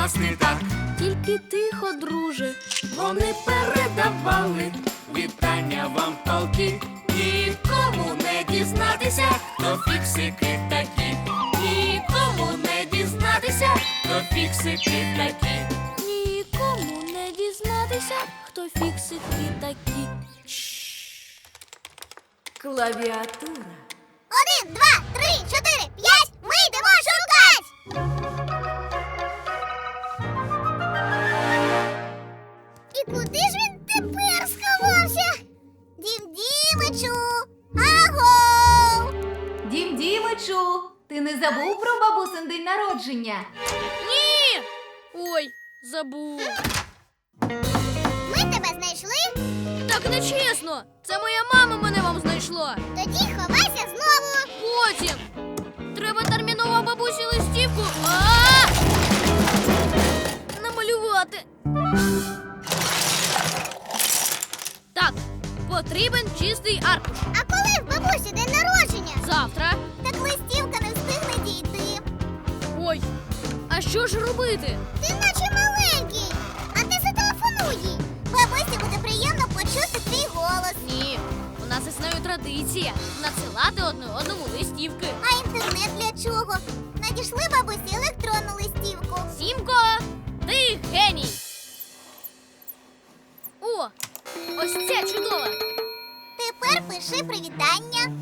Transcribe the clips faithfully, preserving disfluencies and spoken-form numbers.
нас не так. Тільки тихо, друже. Вони передавали вітання вам полки. Нікому не дізнатися, хто фіксики такі. Нікому не дізнатися, хто фіксики такі. Нікому не дізнатися, хто фіксики такі. Клавіатура. Один, два, три, чотири, п'ять. Ми йдемо шукать! І куди ж він тепер сховався? Дім Дімичу! Аго! Дім Дімичу, ти не забув про бабусин день народження? Ні! Ой, забув. Ми тебе знайшли? Так нечесно. Це моя мама мене вам знайшла. Тоді ховайся знову. Потім. Треба терміново бабусі листівку. А! Намалювати. Так, потрібен чистий аркуш. А коли в бабусі день народження? Завтра. Так листівка не встигне дійти. Ой, а що ж робити? Ти наче маленький. А ти зателефонуй їй. Бабусі буде приємно почути твій голос. Ні, у нас існує традиція надсилати одне одному листівки. А інтернет для чого? Надійшли бабусі електронну листівку. Сімко, ти геній! О, ось ця чудова! Тепер пиши привітання.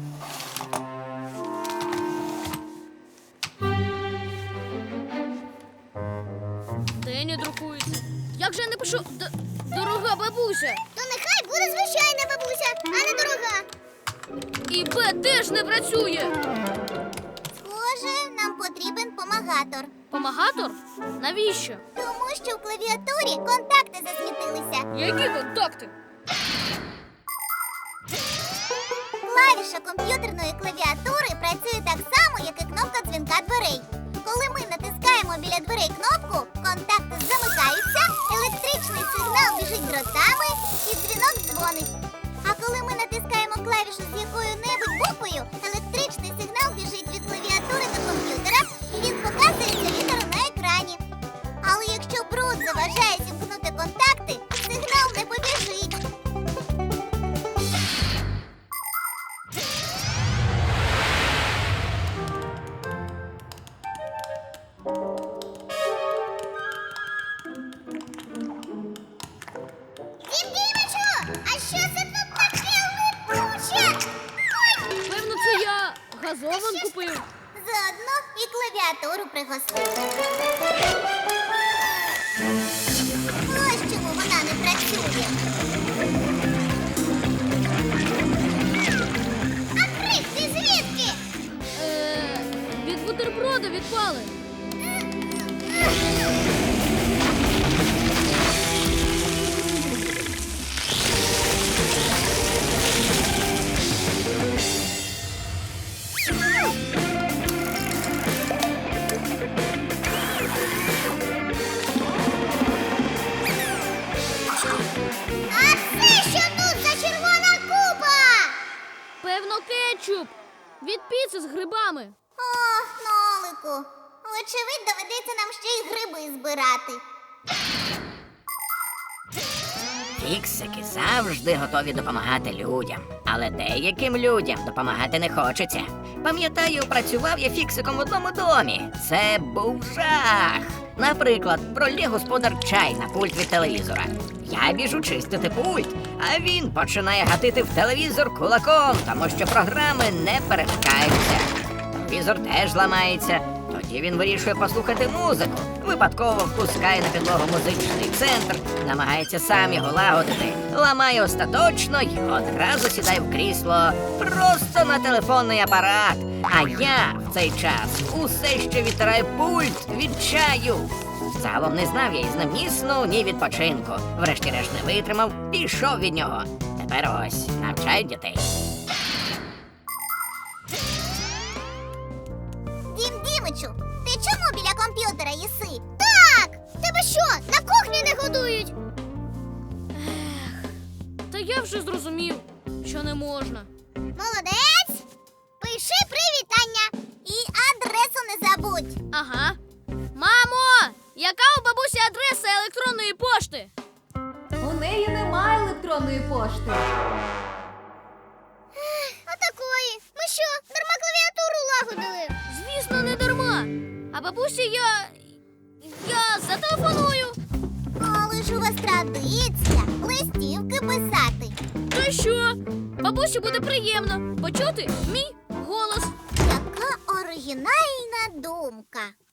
Де не друкується? Як же я напишу Д- дорога бабуся? То нехай буде звичайна бабуся, а не дорога. І Б теж не працює. Схоже, нам потрібен помагатор. Помагатор? Навіщо? Тому що в клавіатурі контакти засвітилися. Які контакти? Клавіша комп'ютерної клавіатури працює так само, як і кнопка дзвінка дверей. Коли ми натискаємо біля дверей кнопку, контакти замикаються, електричний сигнал біжить дротами і дзвінок дзвонить. А коли ми натискаємо клавішу з якою-небудь буквою, електричний сигнал біжить від клавіатури до комп'ютера і він показується літеру на екрані. Але якщо бруд заважає зімкнути контакти, сигнал не побіжить. Дім Дімичу, а що це тут таке летуче? Ой, Певно, це я газован купив. заодно і клавіатуру пригостив. Ось чому вона не працює. А крик ти звідки? Е, від бутерброда відпали. А це що тут за червона купа? Певно, кетчуп. Від піци з грибами. Ох, Нолику, вочевидь, доведеться нам ще й гриби збирати. Фіксики завжди готові допомагати людям, але деяким людям допомагати не хочеться. Пам'ятаю, працював я фіксиком в одному домі. Це був жах. Наприклад, пролє господар чай на пульт від телевізора. Я біжу чистити пульт, а він починає гатити в телевізор кулаком, тому що програми не перемикаються. Телевізор теж ламається. Тоді він вирішує послухати музику. Випадково впускає на підлогу музичний центр, намагається сам його лагодити, ламає остаточно й одразу сідає в крісло просто на телефонний апарат. А я в цей час усе ще відтираю пульт від чаю. Загалом не знав я із ним ні сну, ні відпочинку. Врешті-решт не витримав, пішов від нього. Тепер ось навчаю дітей. Дім Дімичу, ти чому біля комп'ютера їси? Так! Тебе що, на кухні не годують? Та я вже зрозумів, що не можна. Молодець! Пиши привітання і адресу не забудь. Ага. Мамо, Яка у бабусі адреса електронної пошти? У неї немає електронної пошти. Отакої. Ми що, дарма клавіатуру лагодили? Звісно, не дарма. А бабусі я. Я зателефоную. Але ж у вас традиція листівки писати. То й що? Бабусі буде приємно почути мій голос. Яка оригінальна думка.